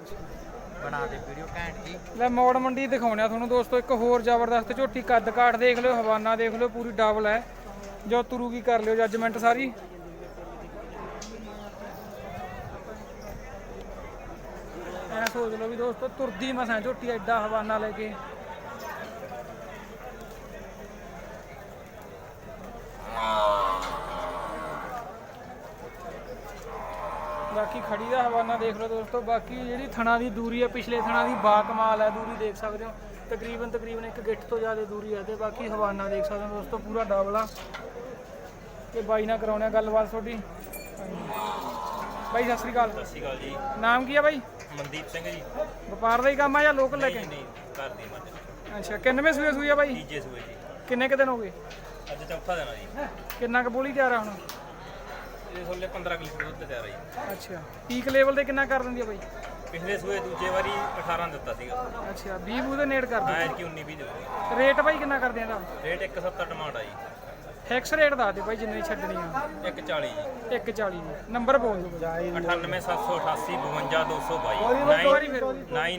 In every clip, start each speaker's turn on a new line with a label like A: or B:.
A: बना दे वीडियो घैंट जी।
B: ਲੈ ਮੌੜ ਮੰਡੀ ਦਿਖਾਉਣੇ ਆ ਤੁਹਾਨੂੰ ਦੋਸਤੋ ਇੱਕ ਹੋਰ ਜ਼ਬਰਦਸਤ ਝੋਟੀ ਕੱਦ ਕਾਠ ਦੇਖ ਲਿਓ ਹਵਾਨਾ ਦੇਖ ਲਿਓ ਪੂਰੀ ਡਬਲ ਹੈ ਜੋ ਤੁਰੂਗੀ ਕਰ ਲਿਓ ਜੱਜਮੈਂਟ ਸਾਰੀ ਐ ਸੋਚ ਲਓ ਵੀ ਦੋਸਤੋ ਤੁਰਦੀ ਮਸਾਂ ਝੋਟੀ ਐਡਾ ਹਵਾਨਾ ਲੈ ਕੇ ਬਾਕੀ ਖੜੀ ਦਾ ਹਵਾਨਾ ਦੇਖ ਲਓ ਦੋਸਤੋ ਬਾਕੀ ਜਿਹੜੀ ਥਣਾ ਦੀ ਦੂਰੀ ਹੈ ਪਿਛਲੇ ਥਣਾ ਦੀ ਬਾ ਕਮਾਲ ਹੈ ਦੂਰੀ ਦੇਖ ਸਕਦੇ ਹੋ ਤਕਰੀਬਨ ਇੱਕ ਗਿੱਠ ਤੋਂ ਜ਼ਿਆਦਾ ਦੂਰੀ ਹੈ ਤੇ ਬਾਕੀ ਹਵਾਨਾ ਦੇਖ ਸਕਦੇ ਹੋ ਦੋਸਤੋ ਪੂਰਾ ਡਬਲ ਆ ਤੇ ਬਾਈ ਨਾਲ ਕਰਾਉਣੇ ਆ ਗੱਲਬਾਤ ਤੁਹਾਡੀ ਬਾਈ ਸਤਿ ਸ੍ਰੀ ਅਕਾਲ
C: ਜੀ
B: ਨਾਮ ਕੀ ਆ ਬਾਈ
C: ਮਨਦੀਪ ਸਿੰਘ ਜੀ
B: ਵਪਾਰ ਦਾ ਹੀ ਕੰਮ ਆ ਜਾਂ ਲੋਕਲ ਲੈ ਕੇ
C: ਨਹੀਂ ਘਰ ਦੀ ਮੱਝ
B: ਅੱਛਾ ਕਿੰਨਵੇਂ ਸੂਏ ਆ ਬਾਈ
C: ਤੀਜੇ ਸੂਏ ਜੀ
B: ਕਿੰਨੇ ਕੁ ਦਿਨ ਹੋ ਗਏ
C: ਅੱਜ ਚੌਥਾ ਦਿਨ ਆ ਜੀ
B: ਕਿੰਨਾ ਕੁ ਬੋਲੀ ਤਿਆਰ ਆ ਹੁਣ
C: ਇਹ ਥੋਲੇ 15 ਕਿਲੋ ਦੁੱਧ ਤਿਆਰ ਆ ਜੀ
B: ਅੱਛਾ ਪੀਕ ਲੈਵਲ ਤੇ ਕਿੰਨਾ ਕਰ ਦਿੰਦੀ ਆ ਬਾਈ
C: ਪਿਛਲੇ ਸੂਏ ਦੂਜੇ ਵਾਰੀ 18 ਦਿੱਤਾ ਸੀਗਾ
B: ਅੱਛਾ 20 ਬੂ ਦੇ ਨੇੜ ਕਰ
C: ਹਾਂ
B: ਦਿੰਦੀ
C: ਐਤਕੀ 19 20 ਦੇਵਾਂਗੇ
B: ਰੇਟ ਬਾਈ ਕਿੰਨਾ ਕਰਦੇ ਆ ਇਹਦਾ
C: ਰੇਟ 170 ਡਿਮਾਂਡ ਆ ਜੀ
B: ਫਿਕਸ ਰੇਟ ਦੱਸ ਦੇ ਬਾਈ ਜਿੰਨੇ ਛੱਡਣੀ ਆ
C: 140 ਜੀ
B: 140 ਦੀ ਨੰਬਰ ਬੋਲ ਦਿਓ ਬਾਈ
C: 98788 52222
B: ਇੱਕ ਵਾਰੀ ਫਿਰ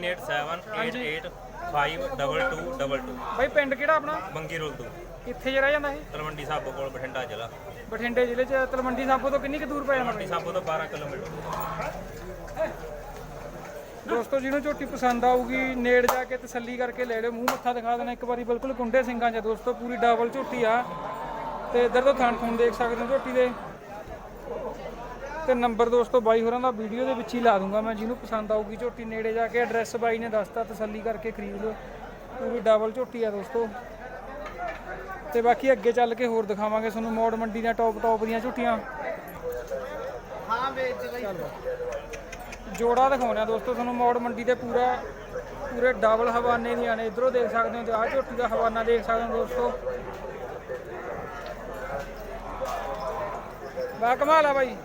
C: 9878852222
B: ਬਾਈ ਪਿੰਡ ਕਿਹੜਾ ਆਪਣਾ
C: ਬੰਗੀ ਰੋਲ ਤੋਂ
B: ਕਿੱਥੇ ਜੇ ਰਹਿ ਜਾਂਦਾ ਇਹ
C: ਤਲਵੰਡੀ ਸਾਬੋ ਕੋਲ ਬਠਿੰਡਾ ਜ਼ਿਲ੍ਹਾ
B: ਬਠਿੰਡੇ ਜ਼ਿਲ੍ਹੇ ਚ ਤਲਵੰਡੀ ਸਾਬੋ ਤੋਂ ਕਿੰਨੀ ਕੁ ਦੂਰ ਪੈ ਜਾਂਦਾ
C: ਤਲਵੰਡੀ
B: ਬਾਈ
C: ਸਾਬੋ ਤੋਂ 12 ਕਿਲੋਮੀਟਰ
B: ਦੋਸਤੋ ਜਿਹਨੂੰ ਝੋਟੀ ਪਸੰਦ ਆਊਗੀ ਨੇੜ ਜਾ ਕੇ ਤਸੱਲੀ ਕਰਕੇ ਲੈ ਲਿਓ ਮੂੰਹ ਮੱਥਾ ਦਿਖਾ ਦੇਣਾ ਇੱਕ ਵਾਰੀ ਬਿਲਕੁਲ ਕੁੰਡੇ ਸਿੰਘਾਂ 'ਚ ਦੋਸਤੋ ਪੂਰੀ ਡਬਲ ਝੋਟੀ ਆ ਤੇ ਇੱਧਰ ਤੋਂ ਥਣ ਥੁਣ ਦੇਖ ਸਕਦੇ ਹੋ ਝੋਟੀ ਦੇ ਤੇ ਨੰਬਰ ਦੋਸਤੋ ਬਾਈ ਹੋਰਾਂ ਦਾ ਵੀਡੀਓ ਦੇ ਵਿੱਚ ਹੀ ਲਾ ਦੂੰਗਾ ਮੈਂ ਜਿਹਨੂੰ ਪਸੰਦ ਆਊਗੀ ਝੋਟੀ ਨੇੜੇ ਜਾ ਕੇ ਐਡਰੈਸ ਬਾਈ ਨੇ ਦੱਸਤਾ ਤਸੱਲੀ ਕਰਕੇ ਖਰੀਦ ਲਓ ਪੂਰੀ ਡਬਲ ਝੋਟੀ ਆ ਦੋਸਤੋ ਤੇ ਬਾਕੀ ਅੱਗੇ ਚੱਲ ਕੇ ਹੋਰ ਦਿਖਾਵਾਂਗੇ ਤੁਹਾਨੂੰ ਮੌੜ ਮੰਡੀ ਦੀਆਂ ਟੌਪ ਦੀਆਂ ਝੋਟੀਆਂ
A: हाँ बेच भाई
B: ਜੋੜਾ ਦਿਖਾਉਣਾ ਦੋਸਤੋ ਤੁਹਾਨੂੰ ਮੌੜ ਮੰਡੀ ਤੇ ਪੂਰੇ ਡਬਲ ਹਵਾਨੇ ਦੀਆਂ ਨੇ ਇਧਰੋਂ ਦੇਖ ਸਕਦੇ ਹੋ ਤੇ ਆਹ ਝੋਟੀ ਦਾ ਹਵਾਨਾ ਦੇਖ ਸਕਦੇ ਹੋ ਦੋਸਤੋ ਬਾ ਕਮਾਲ ਆ ਬਾਈ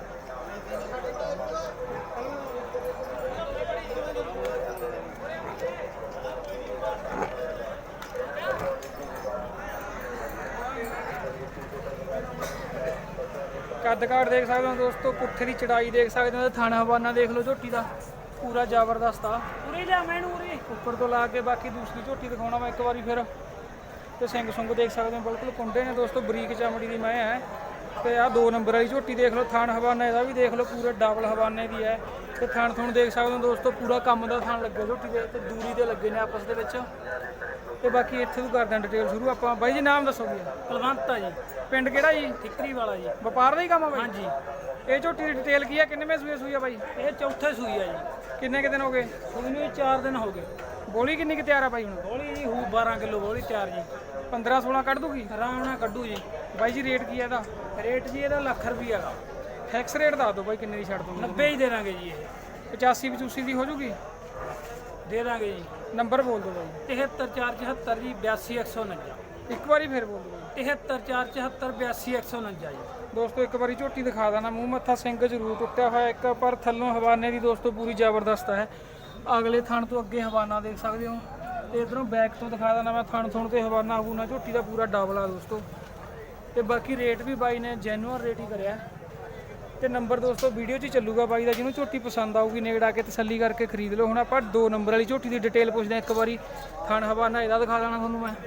B: ਕੱਦ ਕਾਠ ਦੇਖ ਸਕਦੇ ਹੋ ਦੋਸਤੋ ਪੁੱਠੇ ਦੀ ਚੜਾਈ ਦੇਖ ਸਕਦੇ ਹੋ ਥਣ ਹਵਾਨਾ ਦੇਖ ਲਓ ਝੋਟੀ ਦਾ ਪੂਰਾ ਜ਼ਬਰਦਸਤ ਆ ਉਰੇ ਲਿਆ ਮੈਨੂੰ ਉਰੇ ਉੱਪਰ ਤੋਂ ਲਾ ਕੇ ਬਾਕੀ ਦੂਸਰੀ ਝੋਟੀ ਦਿਖਾਉਣਾ ਮੈਂ ਇੱਕ ਵਾਰੀ ਫਿਰ ਤੇ ਸਿੰਘ ਸੁੰਗ ਦੇਖ ਸਕਦੇ ਹੋ ਬਿਲਕੁਲ ਕੁੰਡੇ ਨੇ ਦੋਸਤੋ ਬਰੀਕ ਚਮੜੀ ਦੀ ਮੈਂ ਹੈ ਤੇ ਆਹ 2 ਨੰਬਰ ਵਾਲੀ ਝੋਟੀ ਦੇਖ ਲਓ ਥਣ ਹਵਾਨਾ ਇਹਦਾ ਵੀ ਦੇਖ ਲਓ ਪੂਰੇ ਡਬਲ ਹਵਾਨੇ ਦੀ ਹੈ ਤੇ ਥਣ ਥੁਣ ਦੇਖ ਸਕਦੇ ਹੋ ਦੋਸਤੋ ਪੂਰਾ ਕੰਮ ਦਾ ਥਣ ਲੱਗਿਆ ਝੋਟੀ ਦੇ ਤੇ ਦੂਰੀ ਦੇ ਲੱਗੇ ਨੇ ਆਪਸ ਦੇ ਵਿੱਚ ਤੇ ਬਾਕੀ ਇੱਥੇ ਤੋਂ ਕਰਦੇ ਹਾਂ ਡਿਟੇਲ ਸ਼ੁਰੂ ਆਪਾਂ ਬਾਈ ਜੀ ਨਾਮ ਦੱਸੋਗੇ
D: ਕੁਲਵੰਤ ਆ ਜੀ
B: ਪਿੰਡ ਕਿਹੜਾ ਜੀ
D: ਠਿਕਰੀ ਵਾਲਾ ਜੀ
B: ਵਪਾਰ ਦਾ ਹੀ ਕੰਮ ਆ ਬਾਈ
D: ਹਾਂਜੀ
B: ਇਹ ਝੋਟੀ ਦੀ ਡਿਟੇਲ ਕੀ ਆ ਕਿੰਨੇਵੇਂ ਸੂਈ ਆ ਬਾਈ
D: ਇਹ ਚੌਥੇ ਸੂਈ ਆ ਜੀ
B: ਕਿੰਨੇ ਕੁ ਦਿਨ ਹੋ ਗਏ
D: ਸੂਈ ਨੂੰ 4 ਦਿਨ ਹੋ ਗਏ
B: ਬੋਲੀ ਕਿੰਨੀ ਕੁ ਤਿਆਰ ਆ ਬਾਈ ਹੁਣ
D: ਬੋਲੀ ਜੀ ਹੂ 12 ਕਿਲੋ ਬੋਲੀ ਤਿਆਰ ਜੀ
B: 15 16 ਕੱਢ ਦੂਗੀ
D: ਆਰਾਮ ਨਾਲ ਕੱਢੂ ਜੀ
B: ਬਾਈ ਜੀ ਰੇਟ ਕੀ ਆ ਇਹਦਾ
D: ਰੇਟ ਜੀ ਇਹਦਾ ਲੱਖ ਰੁਪਈਆ ਗਾ
B: ਫਿਕਸ ਰੇਟ ਦੱਸ ਦਿਓ ਬਾਈ ਕਿੰਨੇ ਦੀ ਛੱਡ ਦੂੰਗੀ
D: 90 ਹੀ ਦੇ ਦਾਂਗੇ ਜੀ ਇਹ
B: 85 85 ਦੀ ਹੋ ਜੂਗੀ
D: ਦੇ ਦਾਂਗੇ ਜੀ
B: ਨੰਬਰ ਬੋਲ ਦਿਓ ਬਾਈ
D: 73474 ਜੀ 82149
B: ਇੱਕ ਵਾਰੀ ਫੇਰ ਬੋਲ ਦਿਓ ਬਾਈ
D: 73474 82149 ਜੀ
B: ਦੋਸਤੋ ਇੱਕ ਵਾਰੀ ਝੋਟੀ ਦਿਖਾ ਦੇਣਾ ਮੂੰਹ ਮੱਥਾ ਸਿੰਘ ਜ਼ਰੂਰ ਟੁੱਟਿਆ ਹੋਇਆ ਇੱਕ ਪਰ ਥੱਲੋਂ ਹਵਾਨੇ ਦੀ ਦੋਸਤੋ ਪੂਰੀ ਜ਼ਬਰਦਸਤ ਹੈ ਅਗਲੇ ਥਣ ਤੋਂ ਅੱਗੇ ਹਵਾਨਾ ਦੇਖ ਸਕਦੇ ਹੋ ਤੇ ਇਧਰੋਂ ਬੈਕ ਤੋਂ ਦਿਖਾ ਦੇਣਾ ਮੈਂ ਥਣ ਥੁਣ ਤੇ ਹਵਾਨਾ ਹੂਨਾ ਝੋਟੀ ਦਾ ਪੂਰਾ ਡਬਲ ਆ ਦੋਸਤੋ ਤੇ ਬਾਕੀ ਰੇਟ ਵੀ ਬਾਈ ਨੇ ਜੈਨੂਅਨ ਰੇਟ ਹੀ ਕਰਿਆ ਤੇ ਨੰਬਰ ਦੋਸਤੋ ਵੀਡੀਓ 'ਚ ਹੀ ਚੱਲੂਗਾ ਬਾਈ ਦਾ ਜਿਹਨੂੰ ਝੋਟੀ ਪਸੰਦ ਆਊਗੀ ਨੇੜ ਆ ਕੇ ਤਸੱਲੀ ਕਰਕੇ ਖਰੀਦ ਲਓ ਹੁਣ ਆਪਾਂ 2 ਨੰਬਰ ਵਾਲੀ ਝੋਟੀ ਦੀ ਡਿਟੇਲ ਪੁੱਛਦੇ ਹਾਂ ਇੱਕ ਵਾਰੀ ਥਣ ਹਵਾਨਾ ਇਹਦਾ ਦਿਖਾ ਦੇਣਾ ਤੁਹਾਨੂੰ ਮੈਂ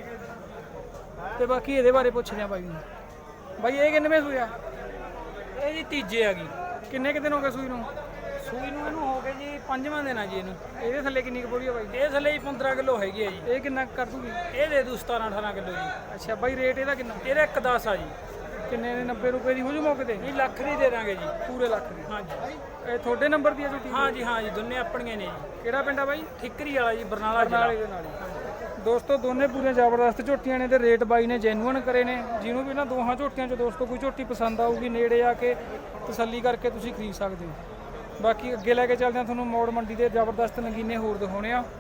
B: ਤੇ ਬਾਕੀ ਇਹਦੇ ਬਾਰੇ ਪੁੱਛਦੇ ਹਾਂ ਬਾਈ ਨੂੰ ਬਾਈ ਇਹ ਕਿੰਨਵੇਂ ਸੂਈ ਆ
D: ਇਹ ਜੀ ਤੀਜੇ ਆ ਗਈ
B: ਕਿੰਨੇ ਕੁ ਦਿਨ ਹੋ ਗਏ ਸੂਈ ਨੂੰ
D: ਸੂਈ ਨੂੰ ਇਹਨੂੰ ਹੋ ਗਏ ਜੀ 5ਵਾਂ ਦਿਨ ਆ ਜੀ ਇਹਨੂੰ
B: ਇਹਦੇ ਥੱਲੇ ਕਿੰਨੀ ਕੁ ਬੋਲੀ ਆ ਬਾਈ
D: ਇਹ ਥੱਲੇ ਜੀ 15 ਕਿਲੋ ਹੈਗੀ ਆ ਜੀ
B: ਇਹ ਕਿੰਨਾ ਕੁ ਕਰ ਦੂਗੀ
D: ਇਹ ਦੇ ਦੂ 17-18 ਕਿਲੋ ਜੀ
B: ਅੱਛਾ ਬਾਈ ਰੇਟ ਇਹਦਾ ਕਿੰਨਾ
D: ਇਹਦਾ 110 ਆ ਜੀ
B: ਕਿੰਨੇ ਦੇ 90 ਰੁਪਏ ਦੀ ਹੋ ਜੂ ਮੌਕੇ ਤੇ
D: ਨਹੀਂ ਲੱਖ ਦੀ ਦੇ ਦਾਂਗੇ ਜੀ
B: ਪੂਰੇ ਲੱਖ ਦੀ
D: ਹਾਂਜੀ
B: ਇਹ ਤੁਹਾਡੇ ਨੰਬਰ ਦੀ ਆ ਝੋਟੀ
D: ਹਾਂ ਜੀ ਦੋਨੇ ਆਪਣੀਆਂ ਨੇ ਜੀ
B: ਕਿਹੜਾ ਪਿੰਡ ਆ ਬਾਈ
D: ਠਿਕਰੀ ਵਾਲਾ ਜੀ ਬਰਨਾਲਾ
B: ਨਾਲੇ
D: ਜ਼ਿਲ੍ਹਾ
B: ਦੇ ਨਾਲ ਹੀ ਦੋਸਤੋ ਦੋਨੇ ਪੂਰੇ ਜ਼ਬਰਦਸਤ ਝੋਟੀਆਂ ਨੇ ਤੇ ਰੇਟ ਬਾਈ ਨੇ ਜੈਨੂਅਨ ਕਰੇ ਨੇ ਜਿਹਨੂੰ ਵੀ ਇਹਨਾਂ ਦੋਹਾਂ ਝੋਟੀਆਂ 'ਚ ਦੋਸਤੋ ਕੋਈ ਝੋਟੀ ਪਸੰਦ ਆਊਗੀ ਨੇੜੇ ਆ ਕੇ ਤਸੱਲੀ ਕਰਕੇ ਤੁਸੀਂ ਖਰੀਦ ਸਕਦੇ ਹੋ ਬਾਕੀ ਅੱਗੇ ਲੈ ਕੇ ਚੱਲਦੇ ਹਾਂ ਤੁਹਾਨੂੰ ਮੌੜ ਮੰਡੀ ਦੇ ਜ਼ਬਰਦਸਤ ਨਗੀਨੇ ਹੋਰ ਦਿਖਾਉਣੇ ਆ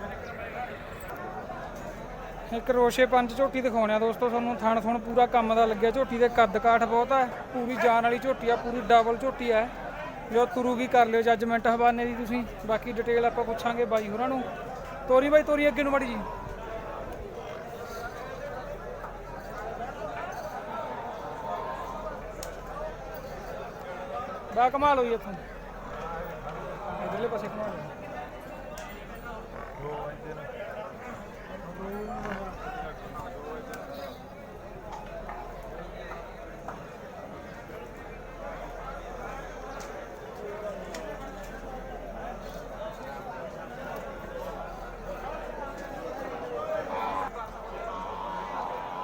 B: ਇੱਕ ਰੋਸ਼ੇ 5 ਝੋਟੀ ਦਿਖਾਉਣੇ ਆ ਦੋਸਤੋ ਤੁਹਾਨੂੰ ਥਣ ਥੁਣ ਪੂਰਾ ਕੰਮ ਦਾ ਲੱਗਿਆ ਝੋਟੀ ਦੇ ਕੱਦ ਕਾਠ ਬਹੁਤ ਆ ਪੂਰੀ ਜਾਨ ਵਾਲੀ ਝੋਟੀ ਆ ਪੂਰੀ ਡਬਲ ਝੋਟੀ ਆ ਜੋ ਤੁਰੂਗੀ ਕਰ ਲਿਓ ਜੱਜਮੈਂਟ ਹਵਾਨੇ ਦੀ ਤੁਸੀਂ ਬਾਕੀ ਡਿਟੇਲ ਆਪਾਂ ਪੁੱਛਾਂਗੇ ਬਾਈ ਹੋਰਾਂ ਨੂੰ ਤੋਰੀ ਬਾਈ ਤੋਰੀ ਅੱਗੇ ਨੂੰ ਮਾੜੀ ਜੀ ਬਾ ਕਮਾਲ ਹੋਈ ਇੱਥੋਂ ਇਧਰਲੇ ਪਾਸੇ ਕਮਾਲ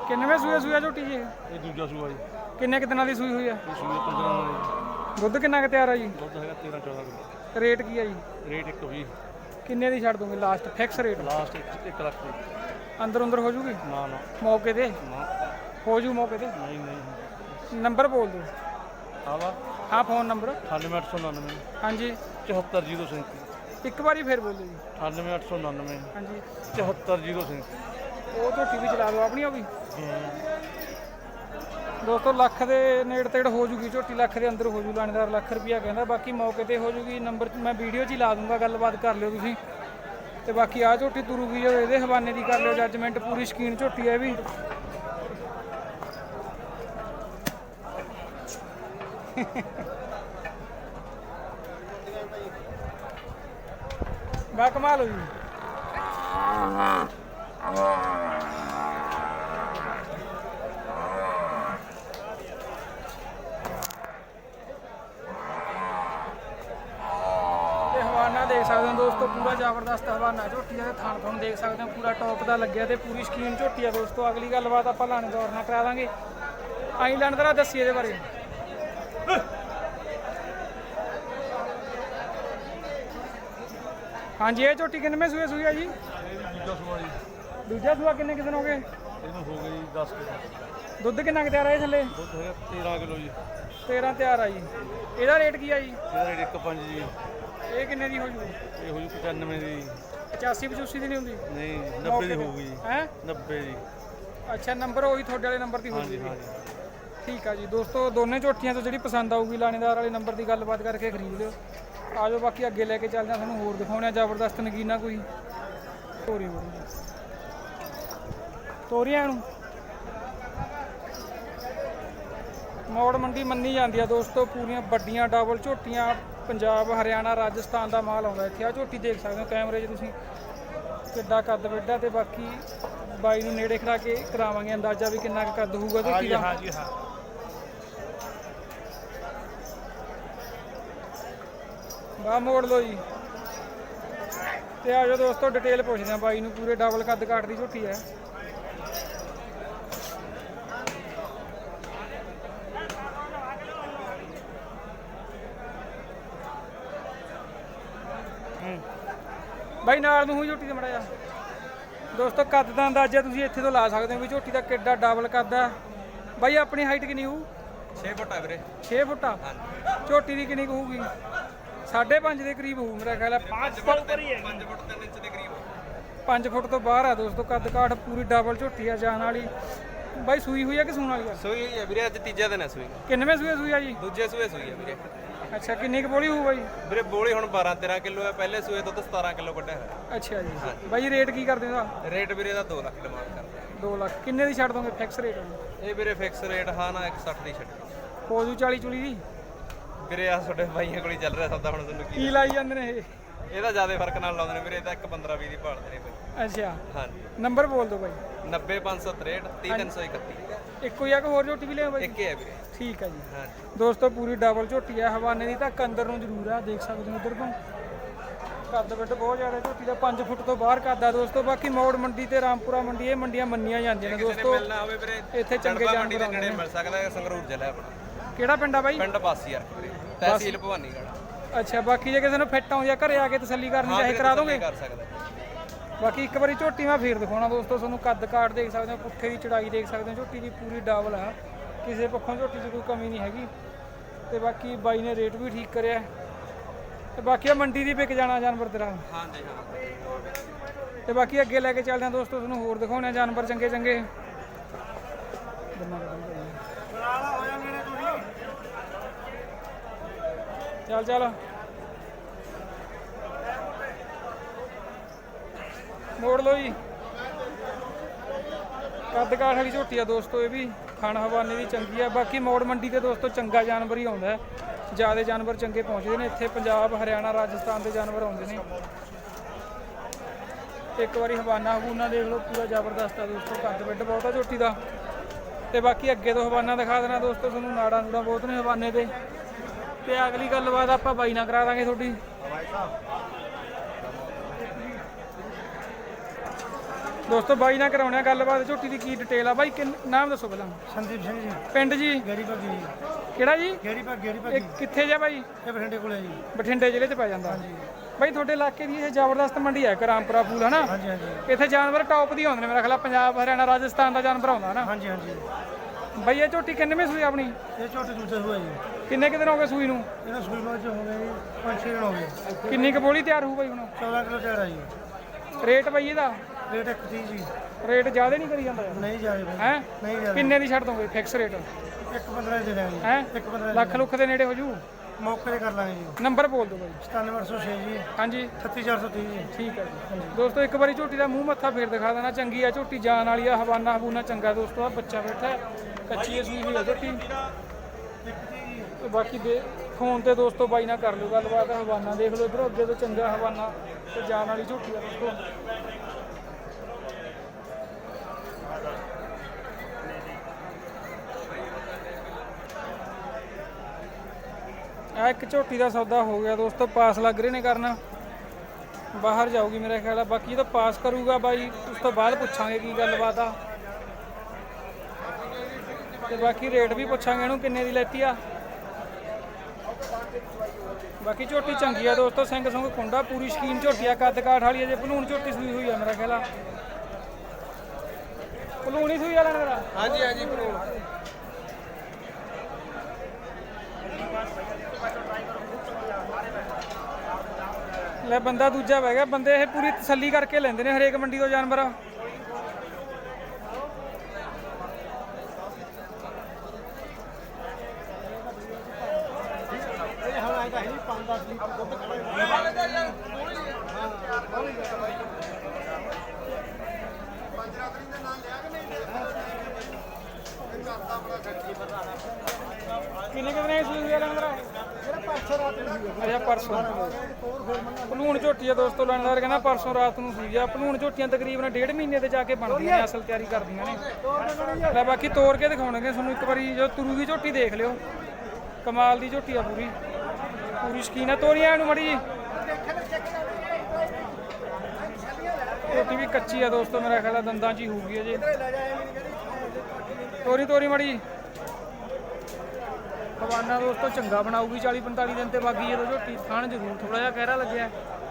B: ਕਿੰਨਵੇਂ ਸੂਆ ਝੋਟੀ ਜੀ ਇਹ?
E: ਇਹ ਦੂਜਾ ਸੂਆ ਜੀ।
B: ਕਿੰਨੇ ਕੁ ਦਿਨਾਂ ਦੀ ਸੂਈ ਹੋਈ ਆ?
E: ਇਹ ਸੂਆ 15 ਦਿਨਾਂ ਦੀ।
B: ਦੁੱਧ ਕਿੰਨਾ ਕੁ ਤਿਆਰ ਆ ਜੀ?
E: ਦੁੱਧ ਹੈਗਾ 13-14 ਕਿਲੋ।
B: ਰੇਟ ਕੀ ਆ ਜੀ?
E: ਰੇਟ 120।
B: ਕਿੰਨੇ ਦੀ ਛੱਡ ਦੋਗੇ last fix rate?
E: Last 1 lakh ਦੀ।
B: ਅੰਦਰ ਹੋ ਜੂਗੀ
E: ਨਾ ਨਾ
B: ਮੌਕੇ ਤੇ?
E: ਨਾ
B: ਹੋ ਜੂ ਮੌਕੇ ਤੇ?
E: ਨਹੀਂ ਨਹੀਂ।
B: ਨੰਬਰ ਬੋਲ ਦਿਓ।
E: ਹਾਂ ਵਾ
B: ਹਾਂ ਫੋਨ ਨੰਬਰ।
E: 9899
B: ਹਾਂਜੀ
E: 74037।
B: ਇੱਕ ਵਾਰੀ ਫੇਰ ਬੋਲੋ ਜੀ।
E: 9899
B: ਹਾਂਜੀ
E: 74037।
B: ਉਹ ਝੋਟੀ ਵੀ ਚਲਾ ਦਿਓ ਆਪਣੀ ਉਹ ਵੀ। ਦੋਸਤੋ ਲੱਖ ਦੇ ਨੇੜੇ ਤੇੜ ਹੋ ਜੂਗੀ ਝੋਟੀ, ਲੱਖ ਦੇ ਅੰਦਰ ਹੋ ਜੂ। ਲਾਣੇਦਾਰ ਲੱਖ ਰੁਪਿਆ ਕਹਿੰਦਾ, ਬਾਕੀ ਮੌਕੇ ਤੇ ਹੋ ਜੂਗੀ। ਨੰਬਰ ਮੈਂ ਵੀਡੀਓ 'ਚ ਹੀ ਲਾ ਦੂੰਗਾ, ਗੱਲਬਾਤ ਕਰ ਲਿਓ ਤੁਸੀਂ। ਤੇ ਬਾਕੀ ਆ ਝੋਟੀ ਤੁਰੂਗੀ ਜੋ ਇਹਦੇ ਹਵਾਨੇ ਦੀ ਕਰ ਲਿਓ ਜੱਜਮੈਂਟ। ਪੂਰੀ ਸ਼ਕੀਨ ਝੋਟੀ ਹੈ ਵੀ। ਬਾ ਕਮਾਲ ਹੋ ਜੀ। ਤੇ ਹਵਾਨਾ ਦੇਖ ਸਕਦੇ ਹੋ ਦੋਸਤੋ, ਪੂਰਾ ਜ਼ਬਰਦਸਤ ਹਵਾਨਾ ਝੋਟੀ ਦਾ। ਥਣ ਤੁਹਾਨੂੰ ਦੇਖ ਸਕਦੇ ਹੋ ਪੂਰਾ ਟੌਪ ਦਾ ਲੱਗਿਆ ਤੇ ਪੂਰੀ ਸ਼ਕੀਨ ਝੋਟੀ ਆ ਦੋਸਤੋ। ਅਗਲੀ ਗੱਲਬਾਤ ਆਪਾਂ ਲਾਣੇ ਦੌਰ ਨਾਲ ਕਰਾ ਦਾਂਗੇ। ਆਈ ਲਾਣੇਦਾਰਾ ਦੱਸੀ ਇਹਦੇ ਬਾਰੇ। ਹਾਂਜੀ ਇਹ ਝੋਟੀ ਕਿੰਨਵੇਂ ਸੂਈ ਆ ਜੀ?
E: ਦੂਜਾ ਸੂਆ ਜੀ।
B: ਦੂਜਾ ਸੂਆ ਕਿੰਨੇ ਕਿਸਨ ਹੋ ਗਏ?
E: ਇਹਨੂੰ ਹੋ ਗਈ 10 ਕਿਲੋ।
B: ਦੁੱਧ ਕਿੰਨਾ ਕੁ ਤਿਆਰ ਆ ਇਹ ਥੱਲੇ?
E: ਦੁੱਧ ਹੈਗਾ 13 ਕਿਲੋ ਜੀ।
B: 13 ਤਿਆਰ ਆ ਜੀ। ਇਹਦਾ ਰੇਟ ਕੀ ਆ ਜੀ?
E: ਇਹਦਾ ਰੇਟ 1.5 ਜੀ।
B: ਇਹ ਕਿੰਨੇ ਦੀ ਹੋ ਜੂ?
E: ਇਹ ਹੋ ਜੂ 95 ਦੀ।
B: 85-85 ਦੀ ਨਹੀਂ ਹੁੰਦੀ?
E: ਨਹੀਂ 90 ਦੀ ਹੋਊਗੀ ਜੀ।
B: ਹੈ
E: 90 ਦੀ।
B: ਅੱਛਾ ਨੰਬਰ ਉਹੀ ਤੁਹਾਡੇ ਵਾਲੇ ਨੰਬਰ ਦੀ ਹੋ
E: ਹਾਂਜੀ
B: ਜੂਗੀ।
E: ਹਾਂਜੀ।
B: ਠੀਕ ਆ ਜੀ ਦੋਸਤੋ, ਦੋਨੇ ਝੋਟੀਆਂ ਤੋਂ ਜਿਹੜੀ ਪਸੰਦ ਆਊਗੀ ਲਾਣੇਦਾਰ ਵਾਲੇ ਨੰਬਰ ਦੀ ਗੱਲਬਾਤ ਕਰਕੇ ਖਰੀਦ ਲਿਓ। ਆ ਜਾਓ ਬਾਕੀ ਅੱਗੇ ਲੈ ਕੇ ਚੱਲਦੇ ਹਾਂ, ਤੁਹਾਨੂੰ ਹੋਰ ਦਿਖਾਉਣੇ ਆ ਜ਼ਬਰਦਸਤ ਨਗੀਨਾ ਕੋਈ ਤੋਰੀ ਬੜੀ ਤੋਰੀਆਂ ਨੂੰ। ਮੌੜ ਮੰਡੀ ਮੰਨੀ ਜਾਂਦੀ ਆ ਦੋਸਤੋ, ਪੂਰੀਆਂ ਵੱਡੀਆਂ ਡਬਲ ਝੋਟੀਆਂ। ਪੰਜਾਬ ਹਰਿਆਣਾ ਰਾਜਸਥਾਨ ਦਾ ਮਾਲ ਆਉਂਦਾ ਇੱਥੇ। ਆ ਝੋਟੀ ਦੇਖ ਸਕਦੇ ਹੋ ਕੈਮਰੇ 'ਚ ਤੁਸੀਂ, ਕਿੱਡਾ ਕੱਦ ਵੱਡਾ। ਤੇ ਬਾਕੀ ਬਾਈ ਨੂੰ ਨੇੜੇ ਖੜਾ ਕੇ ਕਰਾਵਾਂਗੇ ਅੰਦਾਜ਼ਾ ਵੀ ਕਿੰਨਾ ਕੁ ਕੱਦ ਹੋਊਗਾ ਝੋਟੀ ਦਾ।
E: ਹਾਂਜੀ ਹਾਂ।
B: ਬਾਹ ਮੋੜ ਲਓ ਜੀ। ਤੇ ਆ ਜਾਓ ਦੋਸਤੋ ਡਿਟੇਲ ਪੁੱਛਦੇ ਆ ਬਾਈ ਨੂੰ। ਪੂਰੇ ਡਬਲ ਕੱਦ ਕਾਟ ਦੀ ਝੋਟੀ ਹੈ। ਬਾਈ ਨਾਲ ਨੂੰ ਹੋਈ ਝੋਟੀ ਤੇ ਮੜਾ ਜਾ ਦੋਸਤੋ। ਕੱਦ ਦਾ ਅੰਦਾਜ਼ਾ ਤੁਸੀਂ ਇੱਥੇ ਤੋਂ ਲਾ ਸਕਦੇ ਹੋ ਵੀ ਝੋਟੀ ਦਾ ਕਿੱਡਾ ਡਬਲ ਕੱਦ ਆ। ਬਾਈ ਆਪਣੀ ਹਾਈਟ ਕਿੰਨੀ ਹੋਊ?
C: 6 ਫੁੱਟ ਆ ਵੀਰੇ।
B: 6 ਫੁੱਟ ਆ। ਝੋਟੀ ਦੀ ਕਿੰਨੀ ਕੁ ਹੋਊਗੀ? 5.5 ਦੇ ਕਰੀਬ ਹੋਊ ਮੇਰਾ ਖਿਆਲ ਹੈ।
C: 5 ਫੁੱਟ 3 ਇੰਚ ਦੇ ਕਰੀਬ।
B: 5 ਫੁੱਟ ਤੋਂ ਬਾਹਰ ਆ ਦੋਸਤੋ ਕੱਦ ਕਾਠ। ਪੂਰੀ ਡਬਲ ਝੋਟੀ ਆ ਜਾਨ ਵਾਲੀ। ਬਾਈ ਸੂਈ ਹੋਈ ਆ ਕਿ ਸੂਣ ਵਾਲੀ ਆ?
C: ਸੂਈ ਹੈ ਵੀਰੇ, ਅੱਜ ਤੀਜਾ ਦਿਨ ਹੈ ਸੂਈ।
B: ਕਿੰਨਵੇਂ ਸੂਈ ਆ ਜੀ?
C: ਦੂਜੇ ਸੂਏ ਸੂਈ ਹੈ ਵੀਰੇ।
B: ਅੱਛਾ ਕਿੰਨੀ ਕੁ ਬੋਲੀ ਹੋਊ ਬਾਈ?
C: ਵੀਰੇ ਬੋਲੀ ਹੁਣ 12-13 ਕਿਲੋ ਹੈ। ਪਹਿਲੇ ਸੂਏ ਦੁੱਧ 17 ਕਿਲੋ ਕੱਢਿਆ ਹੋਇਆ।
B: ਅੱਛਾ ਜੀ। ਬਾਈ ਰੇਟ ਕੀ ਕਰਦੇ ਦਾ?
C: ਰੇਟ ਵੀਰੇ ਦਾ 2 ਲੱਖ ਡਿਮਾਂਡ ਕਰਦੇ
B: 2 ਲੱਖ। ਕਿੰਨੇ ਦੀ ਛੱਡ ਦੋਗੇ ਫਿਕਸ ਰੇਟ?
C: ਇਹ ਵੀਰੇ ਫਿਕਸ ਰੇਟ ਹਾਂ ਨਾ 160 ਦੀ ਛੱਡੀ।
B: ਹੋ ਜੂ 40 ਚੁਲੀ ਦੀ?
C: ਵੀਰੇ ਆ ਤੁਹਾਡੇ ਬਾਈਆਂ ਕੋਲ ਹੀ ਚੱਲ ਰਿਹਾ ਸੌਦਾ। ਹੁਣ ਤੁਹਾਨੂੰ
B: ਕੀ ਲਾਈ ਜਾਂਦੇ ਨੇ ਇਹ?
C: ਇਹਦਾ ਜ਼ਿਆਦਾ ਫਰਕ ਨਾਲ ਲਾਉਂਦੇ ਨੇ ਵੀਰੇ। ਇਹਦਾ 1.15-20 ਦੀ ਭਾਲਦੇ ਨੇ ਬਾਈ।
B: ਅੱਛਾ
C: ਹਾਂਜੀ।
B: ਨੰਬਰ ਬੋਲ ਦਿਓ ਬਾਈ।
C: 90-563 30-331।
B: ਇੱਕੋ ਹੀ ਆ ਕਿ ਹੋਰ ਝੋਟੀ ਵੀ ਲਿਆਓ ਬਾਈ?
C: ਇੱਕ ਹੀ ਹੈ ਵੀਰੇ।
B: ਠੀਕ ਆ ਜੀ।
C: ਹਾਂਜੀ
B: ਦੋਸਤੋ ਪੂਰੀ ਡਬਲ ਝੋਟੀ ਆ। ਹਵਾਨੇ ਦੀ ਤੱਕ ਅੰਦਰ ਨੂੰ ਜ਼ਰੂਰ ਆ, ਦੇਖ ਸਕਦੇ ਹੋ ਉਧਰ ਤੋਂ। ਕੱਦ ਵੱਡ ਬਹੁਤ ਜ਼ਿਆਦਾ ਝੋਟੀ ਦਾ। 5 ਫੁੱਟ ਤੋਂ ਬਾਹਰ ਕੱਦ ਆ ਦੋਸਤੋ। ਬਾਕੀ ਮੌੜ ਮੰਡੀ ਤੇ ਰਾਮਪੁਰਾ ਮੰਡੀ, ਇਹ ਮੰਡੀਆਂ ਮੰਨੀਆਂ ਜਾਂਦੀਆਂ ਨੇ ਦੋਸਤੋ।
C: ਮਿਲਣਾ ਹੋਵੇ ਵੀਰੇ
B: ਇੱਥੇ ਚੰਗੇ
C: ਮੰਡੀ ਦੇ
B: ਜਾਨਵਰ
C: ਨੇੜੇ ਮਿਲ ਸਕਦਾ ਹੈ। ਸੰਗਰੂਰ ਜ਼ਿਲ੍ਹਾ ਆਪਣਾ।
B: ਕਿਹੜਾ ਪਿੰਡ ਆ ਬਾਈ?
C: ਪਿੰਡ ਬਾਸੀ ਯਾਰ ਵੀਰੇ, ਤਹਿਸੀਲ ਭਵਾਨੀਗੜ੍ਹ।
B: ਅੱਛਾ ਬਾਕੀ ਜੇ ਕਿਸੇ ਨੂੰ ਫਿੱਟ ਆਉਂਦੀ ਆ ਘਰੇ ਆ ਕੇ ਤਸੱਲੀ ਕਰਨੀ ਚਾਹੇ ਕਰਾ ਦੋਗੇ?
C: ਕਰ ਸਕਦਾ।
B: ਬਾਕੀ ਇੱਕ ਵਾਰੀ ਝੋਟੀ ਮੈਂ ਫੇਰ ਦਿਖਾਉਣਾ ਦੋਸਤੋ ਤੁਹਾਨੂੰ। ਕੱਦ ਕਾਠ ਦੇਖ ਸਕਦੇ ਹੋ, ਪੁੱਠੇ ਦੀ ਚੜਾਈ ਦੇਖ ਸਕਦੇ ਹੋ। ਝੋਟੀ ਦੀ ਪੂਰੀ ਡਬਲ ਆ, ਕਿਸੇ ਪੱਖੋਂ ਝੋਟੀ 'ਚ ਕੋਈ ਕਮੀ ਨਹੀਂ ਹੈਗੀ। ਤੇ ਬਾਕੀ ਬਾਈ ਨੇ ਰੇਟ ਵੀ ਠੀਕ ਕਰਿਆ। ਤੇ ਬਾਕੀ ਆ ਮੰਡੀ ਦੀ ਵਿਕ ਜਾਣਾ ਜਾਨਵਰ ਤੇਰਾ।
C: ਹਾਂਜੀ ਹਾਂ।
B: ਤੇ ਬਾਕੀ ਅੱਗੇ ਲੈ ਕੇ ਚੱਲਦੇ ਹਾਂ ਦੋਸਤੋ, ਤੁਹਾਨੂੰ ਹੋਰ ਦਿਖਾਉਣੇ ਆ ਜਾਨਵਰ ਚੰਗੇ ਚੰਗੇ। ਚੱਲ ਚੱਲ ਮੋੜ ਲਓ ਜੀ। ਕੱਦ ਕਾਠ ਵਾਲੀ ਝੋਟੀ ਆ ਦੋਸਤੋ ਇਹ ਵੀ। ਖਾਣ ਹਵਾਨੇ ਦੀ ਚੰਗੀ ਆ। ਬਾਕੀ ਮੋੜ ਮੰਡੀ ਤੇ ਦੋਸਤੋ ਚੰਗਾ ਜਾਨਵਰ ਹੀ ਆਉਂਦਾ। ਜ਼ਿਆਦਾ ਜਾਨਵਰ ਚੰਗੇ ਪਹੁੰਚਦੇ ਨੇ ਇੱਥੇ। ਪੰਜਾਬ ਹਰਿਆਣਾ ਰਾਜਸਥਾਨ ਦੇ ਜਾਨਵਰ ਆਉਂਦੇ ਨੇ। ਇੱਕ ਵਾਰੀ ਹਵਾਨਾ ਹਬੂਨਾ ਦੇਖ ਲਓ, ਪੂਰਾ ਜ਼ਬਰਦਸਤ ਆ ਦੋਸਤੋ। ਕੱਦ ਵੱਡ ਬਹੁਤ ਆ ਝੋਟੀ ਦਾ। ਤੇ ਬਾਕੀ ਅੱਗੇ ਤੋਂ ਹਵਾਨਾ ਦਿਖਾ ਦੇਣਾ ਦੋਸਤੋ ਤੁਹਾਨੂੰ। ਨਾੜਾ ਨੂੜਾ ਬਹੁਤ ਨੇ ਹਵਾਨੇ ਦੇ। ਤੇ ਅਗਲੀ ਗੱਲਬਾਤ ਆਪਾਂ ਬਾਈ ਨਾਲ ਕਰਾ ਦਾਂਗੇ ਤੁਹਾਡੀ। ਦੋਸਤੋ ਬਾਈ ਨਾਲ ਕਰਾਉਣੇ ਆ ਗੱਲਬਾਤ ਝੋਟੀ ਦੀ ਕੀ ਡਿਟੇਲ ਆ ਬਾਈ ਨਾਮ ਦੱਸੋ ਪਹਿਲਾਂ
E: ਸੰਦੀਪ ਸਿੰਘ ਜੀ
B: ਪਿੰਡ ਜੀ
E: ਗੇਰੀ ਭਾਗੀ ਜੀ
B: ਕਿਹੜਾ ਜੀ
E: ਗੇਰੀ
B: ਇਹ
E: ਭਾਗੀ
B: ਕਿੱਥੇ ਜਾ ਬਾਈ
E: ਇਹ ਬਠਿੰਡੇ ਕੋਲੇ ਜੀ
B: ਬਠਿੰਡੇ ਜ਼ਿਲ੍ਹੇ 'ਚ ਪੈ ਜਾਂਦਾ ਬਾਈ ਤੁਹਾਡੇ ਇਲਾਕੇ ਦੀ ਇਹ ਜ਼ਬਰਦਸਤ ਮੰਡੀ ਹੈ ਰਾਮਪੁਰਾ ਫੂਲ ਹਨਾ
E: ਹਾਂਜੀ ਹਾਂਜੀ
B: ਇੱਥੇ ਜਾਨਵਰ ਟੌਪ ਦੀ ਆਉਂਦੇ ਨੇ ਮੇਰਾ ਖਿਆਲ ਪੰਜਾਬ ਹਰਿਆਣਾ ਰਾਜਸਥਾਨ ਦਾ ਜਾਨਵਰ ਆਉਂਦਾ ਨਾ
E: ਹਾਂਜੀ ਹਾਂਜੀ
B: ਬਾਈ ਇਹ ਝੋਟੀ ਕਿੰਨੇਵੇਂ ਸੂਈ ਆਪਣੀ
E: ਇਹ ਝੋਟੇ ਦੂਜੇ ਹੋਇਆ ਜੀ
B: ਕਿੰਨੇ ਕੁ ਦਿਨ ਹੋ ਗਏ ਸੂਈ ਨੂੰ
E: ਇਹਨਾਂ ਸੂਈ ਮਾਚ ਹੋ ਗਏ ਜੀ 5-6 ਦਿਨ ਹੋ ਗਏ
B: ਕਿੰਨੀ ਕੁ ਬੋਲੀ ਤਿਆਰ ਹੋਊ ਬਾਈ ਹੁਣ
E: 14 ਕਿਲੋ ਤਿਆਰ ਆ ਜੀ
B: ਰੇਟ ਬਾਈ ਇਹਦਾ
E: ਰੇਟ 130 ਜੀ
B: ਰੇਟ ਜ਼ਿਆਦਾ ਨਹੀਂ ਕਰੀ ਜਾਂਦਾ ਯਾਰ
E: ਨਹੀਂ ਜਾਏ ਬਾਈ
B: ਹੈ
E: ਨਹੀਂ ਜਾਏ
B: ਕਿੰਨੇ ਦੀ ਛੱਡ ਦੋਗੇ ਫਿਕਸ ਰੇਟ
E: 1.15 ਦੇ ਦਾਂਗੇ
B: ਹੈ
E: 1.15
B: ਲੱਖ ਲੁੱਖ ਦੇ ਨੇੜੇ ਹੋ ਜੂ
E: ਮੌਕੇ ਤੇ ਕਰ ਲਾਂਗੇ ਜੀ
B: ਨੰਬਰ ਬੋਲ ਦਿਓ ਬਾਈ
E: 97806 ਜੀ
B: ਹਾਂਜੀ
E: 36430 ਜੀ
B: ਠੀਕ ਹੈ ਜੀ ਦੋਸਤੋ ਇੱਕ ਵਾਰੀ ਝੋਟੀ ਦਾ ਮੂੰਹ ਮੱਥਾ ਫੇਰ ਦਿਖਾ ਦੇਣਾ ਚੰਗੀ ਆ ਝੋਟੀ ਜਾਨ ਵਾਲੀ ਆ ਹਵਾਨਾ ਹਬੂਨਾ ਚੰਗਾ ਦੋਸਤੋ ਆ ਬੱਚਾ ਬੈਠਾ ਹੈ ਕੱਚੀ ਸੂਈ ਹੋਈ ਆ ਝੋਟੀ ਤੇ ਬਾਕੀ ਦੇ ਫੋਨ ਤੇ ਦੋਸਤੋ ਬਾਈ ਨਾਲ ਕਰ ਲਿਓ ਗੱਲਬਾਤ ਹਵਾਨਾ ਦੇਖ ਲਓ ਇਧਰੋਂ ਅੱਗੇ ਤੋਂ ਚੰਗਾ ਹਵਾਨਾ ਤੇ ਜਾਨ ਵਾਲੀ ਝੋਟੀ ਆ ਦੋਸਤੋ ਆ ਇੱਕ ਝੋਟੀ ਦਾ ਸੌਦਾ ਹੋ ਗਿਆ ਦੋਸਤੋ ਪਾਸ ਲੱਗ ਰਹੇ ਨੇ ਕਰਨਾ ਬਾਹਰ ਜਾਊਗੀ ਮੇਰਾ ਖਿਆਲ ਆ ਬਾਕੀ ਜਦੋਂ ਪਾਸ ਕਰੂਗਾ ਬਾਈ ਉਸ ਤੋਂ ਬਾਅਦ ਪੁੱਛਾਂਗੇ ਕੀ ਗੱਲਬਾਤ ਆ ਤੇ ਬਾਕੀ ਰੇਟ ਵੀ ਪੁੱਛਾਂਗੇ ਇਹਨੂੰ ਕਿੰਨੇ ਦੀ ਲੈਤੀ ਆ ਬਾਕੀ ਝੋਟੀ ਚੰਗੀ ਆ ਦੋਸਤੋ ਸਿੰਘ ਸੰਗ ਕੁੰਡਾ ਪੂਰੀ ਸ਼ਕੀਨ ਝੋਟੀ ਆ ਕੱਦ ਕਾਠ ਵਾਲੀ ਅਜੇ ਭਲੂਣ ਝੋਟੀ ਸੂਈ ਹੋਈ ਆ ਮੇਰਾ ਖਿਆਲ ਆ ਭਲੂਣ ਹੀ ਸੂਈ ਆ ਲੈਣ ਮੇਰਾ
A: ਹਾਂਜੀ ਹਾਂਜੀ ਭਲੂਣ
B: ਲੈ ਬੰਦਾ ਦੂਜਾ ਬਹਿ ਗਿਆ ਬੰਦੇ ਇਹ ਪੂਰੀ ਤਸੱਲੀ ਕਰਕੇ ਲੈਂਦੇ ਨੇ ਹਰੇਕ ਮੰਡੀ ਤੋਂ ਜਾਨਵਰ ਕਿੰਨੇ ਕਿੰਨੇ ਸੂਈ ਆ ਲੈਣ ਮੇਰਾ ਅੱਛਾ ਪਰਸੋਂ ਭਲੂਣ ਝੋਟੀ ਆ ਦੋਸਤੋ ਲੈਣਦਾਰ ਕਹਿੰਦਾ ਪਰਸੋਂ ਰਾਤ ਨੂੰ ਸੂਈ ਆ ਭਲੂਣ ਝੋਟੀਆਂ ਤਕਰੀਬਨ 1.5 ਮਹੀਨੇ ਤੇ ਜਾ ਕੇ ਬਣਦੀਆਂ ਨੇ ਅਸਲ ਤਿਆਰੀ ਕਰਦੀਆਂ ਨੇ ਲੈ ਬਾਕੀ ਤੋੜ ਕੇ ਦਿਖਾਉਣਗੇ ਤੁਹਾਨੂੰ ਇੱਕ ਵਾਰੀ ਜੋ ਤੁਰੂਗੀ ਝੋਟੀ ਦੇਖ ਲਿਓ ਕਮਾਲ ਦੀ ਝੋਟੀ ਆ ਪੂਰੀ ਪੂਰੀ ਸ਼ਕੀਨ ਆ ਤੋਰੀਆਂ ਇਹਨੂੰ ਮੜੀ ਜੀ ਝੋਟੀ ਵੀ ਕੱਚੀ ਆ ਦੋਸਤੋ ਮੇਰਾ ਖਿਆਲ ਆ ਦੰਦਾਂ 'ਚ ਹੀ ਹੋਊਗੀ ਅਜੇ ਤੋਰੀ ਮੜੀ ਹਵਾਨਾ ਦੋਸਤੋ ਚੰਗਾ ਬਣਾਊਗੀ 40-45 ਦਿਨ ਤੇ ਬਾਗੀ ਜਦੋਂ ਝੋਟੀ ਥਣ ਜ਼ਰੂਰ ਥੋੜਾ ਜਿਹਾ ਕਹਿਰਾ ਲੱਗਿਆ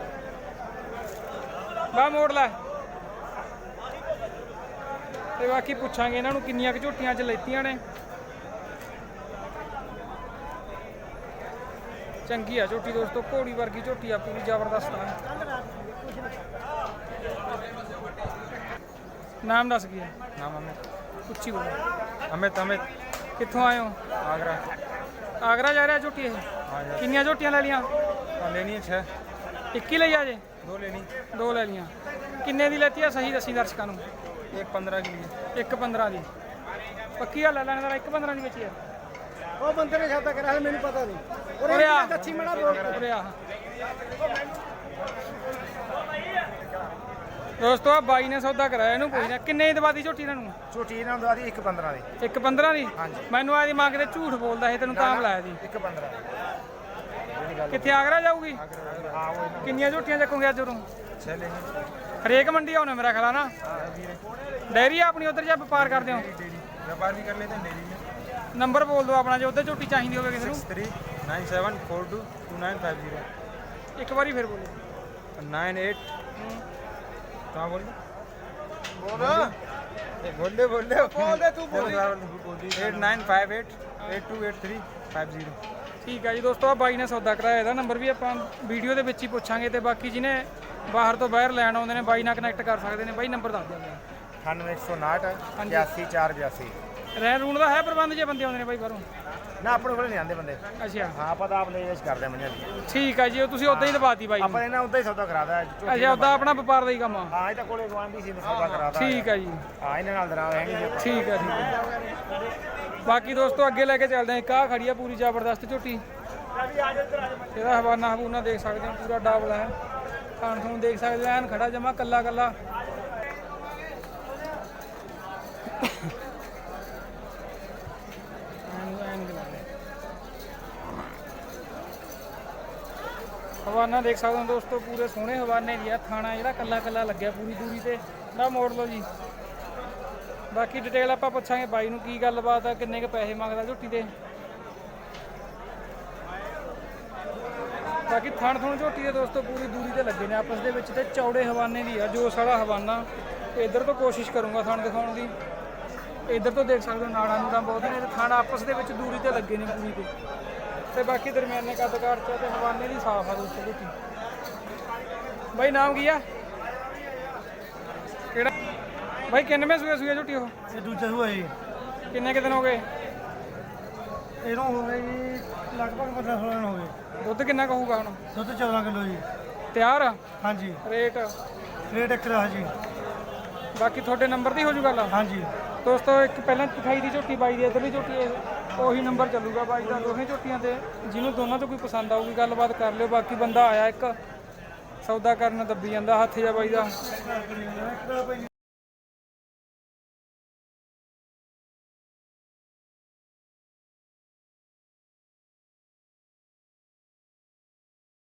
B: ਬਾ ਮੋੜ ਲੈ ਤੇ ਬਾਕੀ ਪੁੱਛਾਂਗੇ ਇਹਨਾਂ ਨੂੰ ਕਿੰਨੀਆਂ ਕੁ ਝੋਟੀਆਂ 'ਚ ਲੈਤੀਆਂ ਨੇ ਚੰਗੀ ਆ ਝੋਟੀ ਦੋਸਤੋ ਘੋੜੀ ਵਰਗੀ ਝੋਟੀ ਆ ਪੂਰੀ ਜ਼ਬਰਦਸਤ ਆ ਨਾਮ ਦੱਸ ਗਿਆ
A: ਨਾਮ ਅਮਿਤ
B: ਉੱਚੀ ਬੋਲੋ
A: ਅਮਿਤ
B: ਕਿੱਥੋਂ ਆਏ ਹੋ
A: ਆਗਰਾ
B: ਆਗਰਾ ਜਾ ਰਿਹਾ ਝੋਟੀ ਇਹ ਕਿੰਨੀਆਂ ਝੋਟੀਆਂ ਲੈ ਲੀਆਂ
A: ਲੈਣੀ ਹੈ 6
B: ਇੱਕ ਹੀ ਲਈ ਆ ਜੇ
A: 2 ਲੈਣੀ
B: ਦੋ ਲੈ ਲੀਆਂ ਕਿੰਨੇ ਦੀ ਲੈਤੀ ਆ ਸਹੀ ਦੱਸੀ ਦਰਸ਼ਕਾਂ ਨੂੰ
A: ਇੱਕ 15 ਕੀ
B: ਇੱਕ 15 ਦੀ ਪੱਕੀ ਗੱਲ ਲੈ ਲੈਣ ਦਾ ਇੱਕ 15 ਦੀ ਵੇਚੀ ਆ
E: ਉਹ ਬੰਦੇ ਨੇ ਸੌਦਾ ਕਰਿਆ ਮੈਨੂੰ ਪਤਾ ਨਹੀਂ
B: ਉਰੇ ਆ
E: ਦੱਸੀ ਮਣਾ ਬੋਲ
B: ਉਰੇ ਆ ਦੋਸਤੋ ਆ ਬਾਈ ਨੇ ਸੌਦਾ ਕਰਾਇਆ ਇਹਨੂੰ ਪੁੱਛਣਾ ਕਿੰਨੇ ਦੀ ਦਵਾਦੀ ਝੋਟੀ ਇਹਨਾਂ ਨੂੰ
A: ਛੋਟੀ ਇਹਨਾਂ ਨੂੰ ਦਵਾਦੀ 1.15 ਦੀ
B: ਇੱਕ 15 ਦੀ ਮੈਨੂੰ ਆਦੀ ਮੰਗ ਤੇ ਝੂਠ ਬੋਲਦਾ ਇਹ ਤੈਨੂੰ ਤਾਂ ਬੁਲਾਇਆ ਜੀ
A: 1.15
B: ਕਿੱਥੇ ਆਗਰਾ ਜਾਊਗੀ
A: ਹਾਂ ਉਹ
B: ਕਿੰਨੀਆਂ ਝੋਟੀਆਂ ਚੱਕੋਗੇ ਅੱਜ ਉਰੋਂ
A: 6 ਲੈਣੀ
B: ਹਰੇਕ ਮੰਡੀ ਆਉਣੇ ਮੇਰਾ ਖਿਆਲ ਆ ਨਾ
A: ਵੀਰੇ
B: ਡੈਰੀ ਆ ਆਪਣੀ ਉਧਰ ਜਾਂ ਵਪਾਰ ਕਰਦੇ ਹੋ
A: ਵਪਾਰ ਵੀ ਕਰ ਲੈ ਤੇ ਮੇਰੀ
B: ਨੰਬਰ ਬੋਲ ਦਿਓ ਆਪਣਾ ਜੇ ਉਧਰ ਝੋਟੀ ਚਾਹੀਦੀ ਹੋਵੇ ਕਿਸੇ ਨੂੰ
A: 6397422950
B: ਇੱਕ ਵਾਰੀ ਫਿਰ ਬੋਲੋ
A: 98 कहाँ बोल बोल तू बोल 8958828350
B: ਠੀਕ ਹੈ ਜੀ ਦੋਸਤੋ ਆ ਬਾਈ ਨੇ ਸੌਦਾ ਕਰਾਇਆ ਇਹਦਾ ਨੰਬਰ ਵੀ ਆਪਾਂ ਵੀਡੀਓ ਦੇ ਵਿੱਚ ਹੀ ਪੁੱਛਾਂਗੇ ਤੇ ਬਾਕੀ ਜਿਹਨੇ ਬਾਹਰ ਤੋਂ ਬਾਹਰ ਲੈਣ ਆਉਂਦੇ ਨੇ ਬਾਈ ਨਾਲ ਕਨੈਕਟ ਕਰ ਸਕਦੇ ਨੇ ਬਾਈ ਨੰਬਰ ਦੱਸ ਦਿਓ
A: 9159 81482
B: ਰਹਿਣ ਰੂਣ ਦਾ ਹੈ ਪ੍ਰਬੰਧ ਜੇ ਬੰਦੇ ਆਉਂਦੇ ਨੇ ਬਾਈ ਬਾਹਰੋਂ
A: ਨਾ ਆਪਣੇ ਕੋਲ ਨਹੀਂ ਆਉਂਦੇ ਬੰਦੇ
B: ਅੱਛਾ
A: ਹਾਂ ਆਪਾਂ ਤਾਂ ਆਪ ਲੈ ਜਾਇਸ਼ ਕਰਦੇ ਮੰਨਿਆ
B: ਠੀਕ ਹੈ ਜੀ ਉਹ ਤੁਸੀਂ ਉਦਾਂ ਹੀ ਦਬਾਤੀ ਬਾਈ ਨੂੰ।
A: ਆਪਾਂ ਇਹਨਾਂ ਉਦਾਂ ਹੀ ਸੌਦਾ ਕਰਾਦਾ
B: ਅੱਛਾ ਉਦਾਂ ਆਪਣਾ ਵਪਾਰ ਦਾ ਹੀ ਕੰਮ ਆ
A: ਹਾਂ ਇਹ ਤਾਂ ਕੋਲੇ ਗਵਾਂਢੀ ਸੀ ਸੌਦਾ ਕਰਾਦਾ
B: ਠੀਕ ਹੈ ਜੀ
A: ਹਾਂ ਇਹਨਾਂ ਨਾਲ ਦਰਾ ਹੈ ਨਹੀਂ
B: ਠੀਕ ਹੈ ਬਾਕੀ ਦੋਸਤੋ ਅੱਗੇ ਲੈ ਕੇ ਚੱਲਦੇ ਹਾਂ ਇੱਕ ਆਹ ਖੜੀ ਆ ਪੂਰੀ ਜ਼ਬਰਦਸਤ ਝੋਟੀ ਇਹਦਾ ਹਵਾਨਾ ਹਬੂਨਾ ਦੇਖ ਸਕਦੇ ਹੋ ਪੂਰਾ ਡਬਲ ਹੈ ਖਾਣ ਤੁਹਾਨੂੰ ਦੇਖ ਸਕਦੇ ਹੋ ਐਨ ਖੜਾ ਜਮਾ ਕੱਲਾ ਹਵਾਨਾ ਦੇਖ ਸਕਦੇ ਹੋ ਦੋਸਤੋ, ਪੂਰੇ ਸੋਹਣੇ ਹਵਾਨੇ ਦੀ ਆ। ਥਾਣਾ ਜਿਹੜਾ ਕੱਲਾ ਕੱਲਾ ਲੱਗਿਆ ਪੂਰੀ ਦੂਰੀ ਤੇ ਨਾ ਮੋੜ ਲਓ ਜੀ। ਬਾਕੀ ਡਿਟੇਲ ਆਪਾਂ ਪੁੱਛਾਂਗੇ ਬਾਈ ਨੂੰ ਕੀ ਗੱਲਬਾਤ ਆ, ਕਿੰਨੇ ਕੁ ਪੈਸੇ ਮੰਗਦਾ ਝੋਟੀ ਦੇ। ਬਾਕੀ ਥਣ ਥਣ ਝੋਟੀ ਦੇ ਦੋਸਤੋ ਪੂਰੀ ਦੂਰੀ ਤੇ ਲੱਗੇ ਨੇ ਆਪਸ ਦੇ ਵਿੱਚ ਤੇ ਚੌੜੇ ਹਵਾਨੇ ਦੀ ਆ ਜੋ ਸਾਡਾ ਹਵਾਨਾ। ਇੱਧਰ ਤੋਂ ਕੋਸ਼ਿਸ਼ ਕਰੂੰਗਾ ਥਣ ਦਿਖਾਉਣ ਦੀ। ਇੱਧਰ ਤੋਂ ਦੇਖ ਸਕਦੇ ਹੋ ਨਾੜਾਂ ਨੂੜਾਂ ਬਹੁਤ ਨੇ ਤੇ ਥਣ ਆਪਸ ਦੇ ਵਿੱਚ ਦੂਰੀ ਤੇ ਲੱਗੇ ਨੇ ਪੂਰੀ ਤੇ ਬਾਕੀ ਦਰਮਿਆਨੇ ਕੱਦਕਾਰ ਚ ਤੇ ਹਵਾਨੇ ਦੀ ਸਾਫ ਆ ਦੋਸਤੋ ਝੋਟੀ। ਬਾਈ ਨਾਮ ਕੀ ਆ? ਕਿਹੜਾ ਬਾਈ ਕਿੰਨਵੇਂ ਸੂਏ ਝੋਟੀ ਉਹ?
E: ਇਹ ਦੂਜਾ ਹੋਇਆ ਜੀ।
B: ਕਿੰਨੇ ਕੁ ਦਿਨ ਹੋ ਗਏ?
E: ਇਹਨੂੰ ਹੋ ਗਏ ਜੀ ਲਗਭਗ 15-16 ਦਿਨ ਹੋ ਗਏ।
B: ਦੁੱਧ ਕਿੰਨਾ ਕਹੂਗਾ ਹੁਣ?
E: ਦੁੱਧ 14 ਕਿਲੋ ਜੀ।
B: ਤਿਆਰ ਆ?
E: ਹਾਂਜੀ।
B: ਰੇਟ
E: ਰੇਟ ਇੱਕ ਰਹਾ ਜੀ।
B: ਬਾਕੀ ਤੁਹਾਡੇ ਨੰਬਰ ਦੀ ਹੋ ਜੂ ਗੱਲ?
E: ਹਾਂਜੀ
B: ਦੋਸਤੋ ਇੱਕ ਪਹਿਲਾਂ ਦਿਖਾਈ ਦੀ ਝੋਟੀ ਬਾਈ ਦੀ, ਇੱਧਰਲੀ ਝੋਟੀ ਇਹ ਉਹੀ ਨੰਬਰ ਚੱਲੂਗਾ ਬਾਈ ਦਾ ਦੋਵੇਂ ਝੋਟੀਆਂ ਤੇ। ਜਿਹਨੂੰ ਦੋਨਾਂ ਤੋਂ ਕੋਈ ਪਸੰਦ ਆਊਗੀ ਗੱਲਬਾਤ ਕਰ ਲਿਓ। ਬਾਕੀ ਬੰਦਾ ਆਇਆ ਇੱਕ ਸੌਦਾ ਕਰਨ ਦੱਬੀ ਜਾਂਦਾ ਹੱਥ ਜਾ ਬਾਈ ਦਾ।